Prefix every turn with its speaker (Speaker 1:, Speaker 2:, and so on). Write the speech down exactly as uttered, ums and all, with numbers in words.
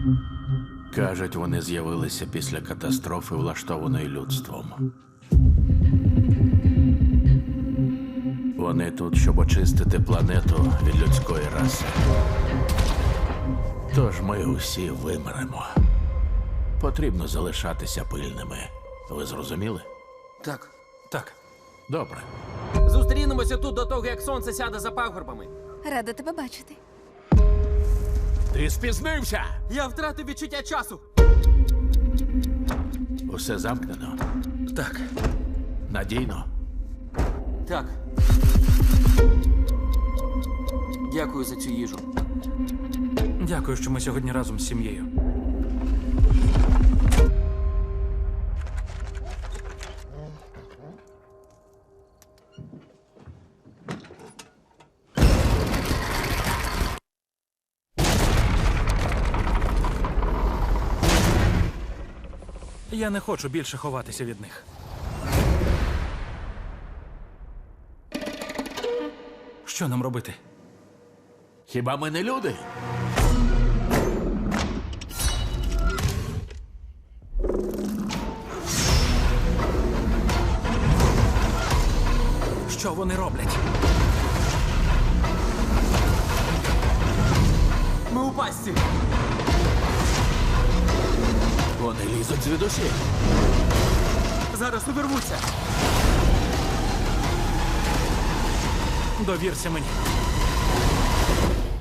Speaker 1: Кажуть, вони з'явилися після катастрофи, влаштованої людством. Вони тут, щоб очистити планету від людської раси. Тож ми усі вимремо. Потрібно залишатися пильними. Ви зрозуміли?
Speaker 2: Так.
Speaker 3: Так.
Speaker 1: Добре.
Speaker 2: Зустрінемося тут до того, як сонце сяде за пагорбами.
Speaker 4: Рада тебе бачити.
Speaker 1: Ти спізнився!
Speaker 2: Я втратив відчуття часу.
Speaker 1: Усе замкнено.
Speaker 3: Так.
Speaker 1: Надійно.
Speaker 2: Так. Дякую за цю їжу.
Speaker 3: Дякую, що ми сьогодні разом з сім'єю. Я не хочу більше ховатися від них. Що нам робити?
Speaker 1: Хіба ми не люди?
Speaker 3: Що вони роблять?
Speaker 2: Ми у пастці.
Speaker 1: Вони лізуть звідусіль.
Speaker 2: Зараз увірвуться.
Speaker 3: Довірся мені.